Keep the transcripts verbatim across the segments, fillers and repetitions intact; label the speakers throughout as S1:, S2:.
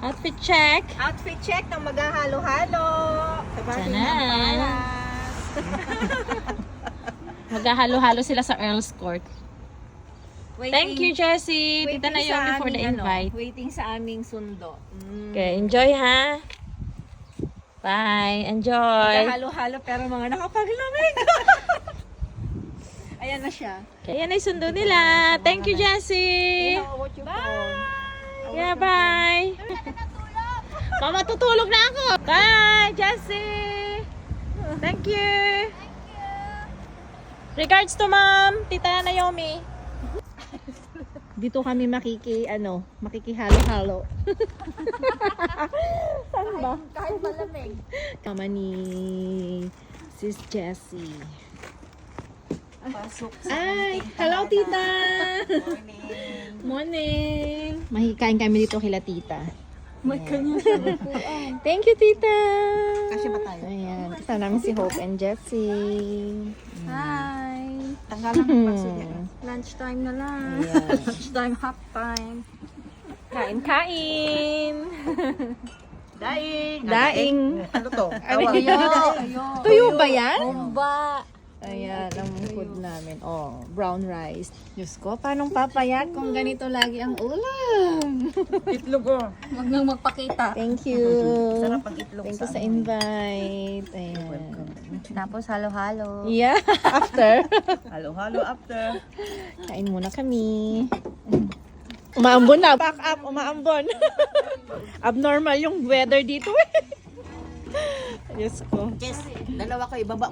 S1: Outfit check.
S2: Outfit check ng maghahalo-halo. Sabagay
S1: Sana.
S2: ng paras.
S1: Maghahalo-halo sila sa Earl's Court.
S2: Waiting-
S1: Thank you, Jessie.
S2: waiting
S1: Tita Naomi
S2: sa
S1: for the
S2: aming, ano,
S1: invite.
S2: waiting sa aming sundo. Mm.
S1: Okay, enjoy ha. Bye. Enjoy.
S2: Maghahalo-halo pero mga nakapaglamig. Ayan na siya.
S1: Okay, yan ay sundo nila. Thank you, Jessie.
S2: Bye!
S1: Yeah, bye. Mama, tutulog na ako. Bye, Jessie. Thank you. Regards to mom, Tita Naomi.
S2: Dito kami makiki, ano, makikihalo-halo. Saan ba? Kahit malamig. Kama ni Sis Jessie.
S3: Pasok sa
S2: Ay, hello tita!
S3: morning.
S2: Morning! Mahikain kami dito kila tita.
S3: May kanya siya.
S2: Thank you tita!
S3: Kasi ba tayo?
S2: Ayan, kasama namin si Hope and Jessie.
S3: Hi! Tanggalan ng paso niya.
S2: Lunchtime na lang.
S1: Ayan.
S2: Lunchtime, half time.
S1: Kain-kain.
S3: Daing!
S2: Daing.
S3: Ano to?
S2: Ano
S3: Tawag.
S2: yun? Tuyo ba yan?
S1: Bomba.
S2: Ayan, ang food namin. Oh, brown rice. Diyos ko, paano papayat kung ganito lagi ang ulam?
S3: Itlog ko.
S1: Huwag nang magpakita.
S2: Thank you.
S3: Sarap ang itlog
S2: Thank you
S3: sa
S2: sa
S3: ano.
S2: invite. Ayan.
S1: Tapos halo-halo.
S2: Yeah, after.
S3: Halo-halo after.
S2: Kain muna kami. Umaambon na. Back up, umaambon. Abnormal yung weather dito eh. Diyos ko.
S3: Yes, dalawa ko ibaba.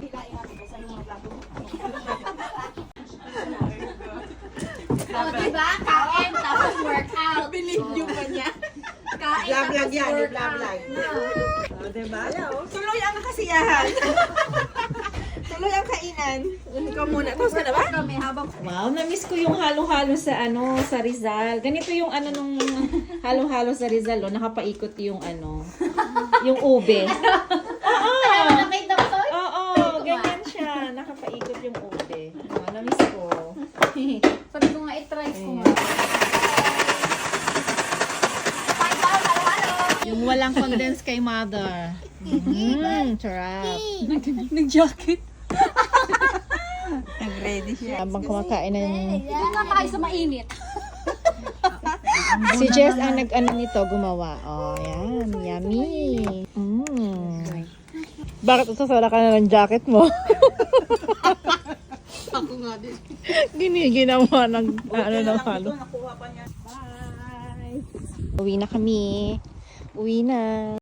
S1: Oh, diba? Kain, tapos workout.
S3: Binidyo pa niya.
S1: Kain,
S3: Vlog-vlog yan, vlog-vlog. O, diba? Tuloy ang kasiyahan. Tuloy ang kainan. Ikaw muna. Tapos ka na ba?
S1: Kami habang
S2: Wow, na-miss ko yung halo-halo sa ano, sa Rizal. Ganito yung ano nung halo-halo sa Rizal, oh, nakapaikot yung ano, yung ube. Oo.
S1: nakita ko to.
S2: Oo, ganyan siya. Nakapaikot yung ube. Wow, na-miss ko.
S1: Sabi ko nga, i-try ko nga. Kain tayo, halo-halo.
S2: Yung walang condense kay mother. Mmm, sarap.
S1: Nag-jacket.
S3: Nag-ready siya.
S2: Habang kumakain na yung...
S1: Ito nga tayo sa mainit.
S2: Si Jess ang nag-ano nito, gumawa. Oh, yan. Yummy. Mm. Bakit usasara ka na ng jacket mo?
S3: Ako nga din.
S2: Giniginawa ng ano ng halo.
S3: Nakuha pa niya. Bye!
S2: Uwi na kami. Uwi na.